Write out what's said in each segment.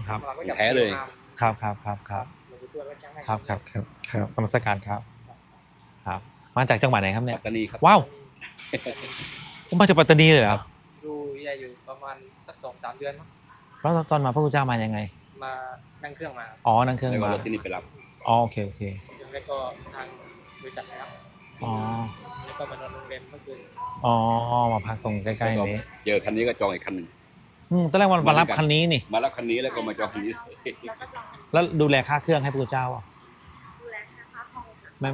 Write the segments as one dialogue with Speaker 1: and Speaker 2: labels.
Speaker 1: ครับ
Speaker 2: แท้เลย
Speaker 1: ครับนมัสการครับครับมาจากจังหวัดไหนครับเนี่
Speaker 2: ปั
Speaker 1: ย
Speaker 2: ตตานีครับ
Speaker 1: ว้าวผมมาจากปัตตานีเลยเหรอ
Speaker 3: อยู่ประมาณสัก2-3 เดือนมั้ง
Speaker 1: แล้วตอนมาพระคุณเจ้ามายังไง
Speaker 3: มานั่งเครื่องมา
Speaker 1: อ๋อนั่งเครื่อง
Speaker 2: แล้วก็
Speaker 1: มาร
Speaker 2: ถที่นี่ไปรับ
Speaker 1: อ๋อโอเค
Speaker 3: แล้วก็ทางบริษัทนะครับ
Speaker 1: อ๋อ
Speaker 3: แล้วก็มานอนโรงแรมเมื่อคืน
Speaker 1: อ๋อมาพักตรงใกล้ๆนี้
Speaker 2: เจอคันนี้ก็จองอีกคันหนึ่ง
Speaker 1: ตอนแรกมารับคันนี้นี่
Speaker 2: มารับคันนี้แล้วก็มาจองคันนี้
Speaker 1: แล้วดูแลค่าเครื่องให้พระคุณเจ้าอ่ะ
Speaker 4: ดูแลค่าห้องค่ะ
Speaker 1: ไม่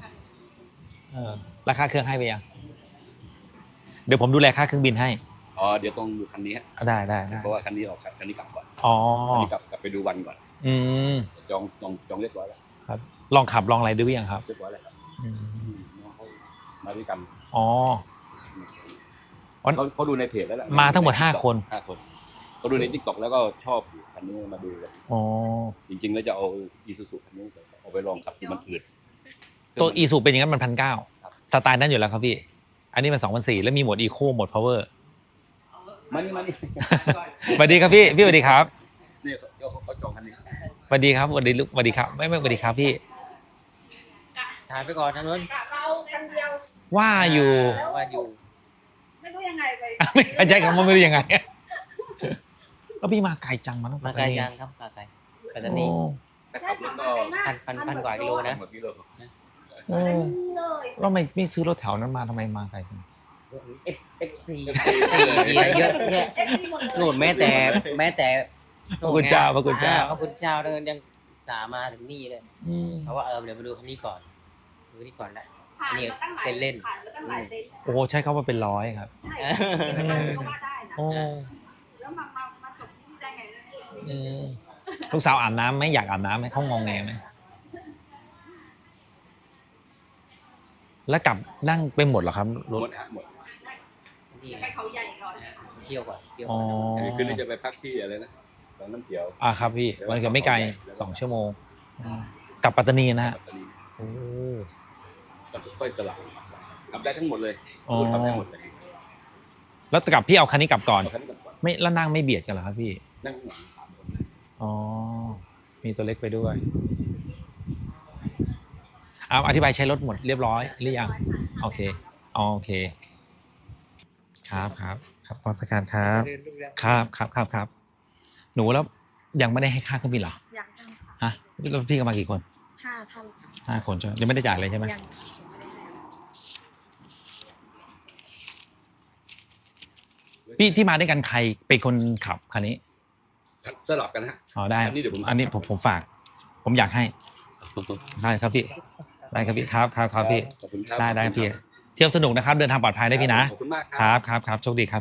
Speaker 1: ราคาเครื่องให้ไปยังเดี๋ยวผมดูแลค่าเครื่องบินให้
Speaker 2: อ๋อเดี๋ยวต้องดูคันนี้ฮะ
Speaker 1: ได้
Speaker 2: เพราะว่าคันนี้ออกคันนี้กลับก่อน
Speaker 1: อ๋อ
Speaker 2: คันนี้กลับไปดูวันก่อน จองเรียบร้อยแล้ว
Speaker 1: ครับลองขับลองอะไรดูหรือยังครับ
Speaker 2: เรียบร้อยแล้วครับน้องเขามาด้วยกัน
Speaker 1: อ๋อ
Speaker 2: เขาดูในเพจแล้วแหละ
Speaker 1: มาทั้งหมด5 คน
Speaker 2: 5 คนเขาดูใน TikTok แล้วก็ชอบคันนี้มาดูกัน
Speaker 1: อ๋อ
Speaker 2: จริงๆแล้วจะเอาอีซูซูคันนี้เอาไปลองขับที่มันอืด
Speaker 1: ตัวอีซูเป็นอย่างนั้นมัน1,900
Speaker 2: ครับ
Speaker 1: สไตล์นั้นอยู่แล้วครับพี่ อันนี้มัน2,400แล้วมีโหมดอีโคโหมดพาวเวอร์
Speaker 2: มานี่
Speaker 1: สวัสดีครับพี่สวัสดีครับ
Speaker 2: นี่เขาจองคันนี้
Speaker 1: สวัสดีครับสวัสดีครับไม่สวัสดีครับพี่
Speaker 3: ถ่ายไปก่อนทางนู้น
Speaker 4: กะเราคนเดียว
Speaker 1: ว่าอยู่
Speaker 3: ว่าอยู่
Speaker 4: ไม่รู้ยังไงไป
Speaker 1: ไม่เข้าใจคำว่าไม่รู้ยังไงแล้วพี่มาไกลจังมาตั้ง
Speaker 3: มาไกลยังครับมาไกลปัตตานี
Speaker 1: โอ้
Speaker 2: แต่ขับรถก็
Speaker 3: พันกว่ากิโลนะ
Speaker 2: หมดกิโล
Speaker 1: โอ้
Speaker 4: เลย
Speaker 1: แล้วไม่ซื้อรถแถวนั้นมาทำไมมาไกลจัง
Speaker 3: FC เยอะแยะ
Speaker 4: เอฟซีหมดเลย
Speaker 3: โน่นแม้แต่
Speaker 1: พระคุณเจ้า
Speaker 3: พระคุณเจ้าเดินยังสามาถึงนี่เลย
Speaker 1: อืม
Speaker 3: เพราะว่าเดี๋ยวมาดูคันนี้ก่อนดูคันนี้ก่อนแหละ
Speaker 4: ผ่านมาตั้งหลาย
Speaker 3: เล่น
Speaker 4: ผ่านมาตั้งหลายเต็นท์
Speaker 1: โอ้ใช้คำว่าเป็นร้อยครับ
Speaker 4: ใช่ที่มันก็ว่าได้นะ
Speaker 1: โอ้
Speaker 4: แล้วมาจบที่ได้ไงเนี่ย
Speaker 1: อืมลูกสาวอาบน้ำไหมอยากอาบน้ำไหมเขางงแงไหมแล้วกลับนั่งไปหมดเหรอครับรถ
Speaker 2: หมด
Speaker 3: นี่
Speaker 4: ไปเขาใหญ่ก่อน
Speaker 3: เที่ยวก่อนเที่ยว
Speaker 1: อ๋อ
Speaker 2: คืนนี้จะไปพักที่อะไรนะบางน้ำเขียว
Speaker 1: ครับพี่มันก็ไม่ไกล2 ชั่วโมงกลับปัตตานีนะฮะ
Speaker 2: ปัตตานี
Speaker 1: โอ้
Speaker 2: ก็ค่อยสลับขับได้ทั้งหมดเลย
Speaker 1: อ๋อ
Speaker 2: ขับได้หมดเลย
Speaker 1: แล้วกลับพี่เอาคันนี้กลับก่อน
Speaker 2: เอาคันนี้ก่อน
Speaker 1: ไม่แล้วนั่งไม่เบียดกันเหรอครับพี่
Speaker 2: นั่งข้างหลัง3 คน
Speaker 1: อ๋อมีตัวเล็กไปด้วยอธิบายใช้รถหมดเรียบร้อยหรือยังโอเคครับนมัสการครับ
Speaker 3: เดินดูแล
Speaker 1: ครับหนูแล้วยังไม่ได้ให้ค่าเครื่องบินเหรอ
Speaker 4: ยังตั้งค่ะ
Speaker 1: ฮะแล้วพี่ก็มากี่คน
Speaker 4: 5 ท่าน
Speaker 1: 5 คนใช่ไหมยังไม่ได้จ่ายเลยใช่ไหม
Speaker 4: ยังไม่ได้ให้
Speaker 1: พี่ที่มาด้วยกันใครเป็นคนขับคันนี้
Speaker 2: สลับกันฮะ
Speaker 1: อ๋อได้
Speaker 2: อันนี้เดี๋ยวผม
Speaker 1: อันนี้ผมฝาก ผมอยากให้ได้ครับพี่ได้ครับพี่ครับพี่
Speaker 2: ขอบคุณครับ
Speaker 1: ได้พี่เที่ยวสนุกนะครับ เดินทางปลอดภัยได้พี่นะ
Speaker 2: ขอบคุณมาก
Speaker 1: ครับโชคดีครับ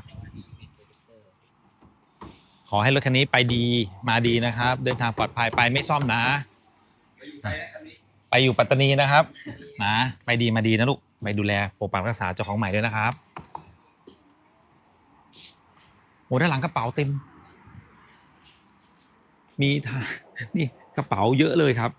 Speaker 1: ขอให้รถคันนี้ไปดีมาดีนะครับ เดินทางปลอดภัยไปไม่ซ่อมนะ ไปอยู่ปัตตานีนะครับนะไปดีมาดีนะลูกไปดูแลปกปักรักษาเจ้าของใหม่ด้วยนะครับโอ้ด้านหลังกระเป๋าเต็มมีนี่กระเป๋าเยอะเลยครับ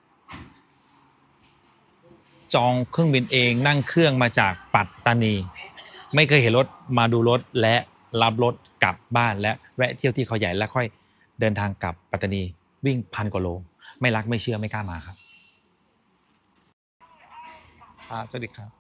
Speaker 1: จองเครื่องบินเองนั่งเครื่องมาจากปัตตานีไม่เคยเห็นรถมาดูรถและรับรถกลับบ้านและแวะเที่ยวที่เขาใหญ่แล้วค่อยเดินทางกลับปัตตานีวิ่ง1,000 กว่าโลไม่รักไม่เชื่อไม่กล้ามาครับสวัสดีครับ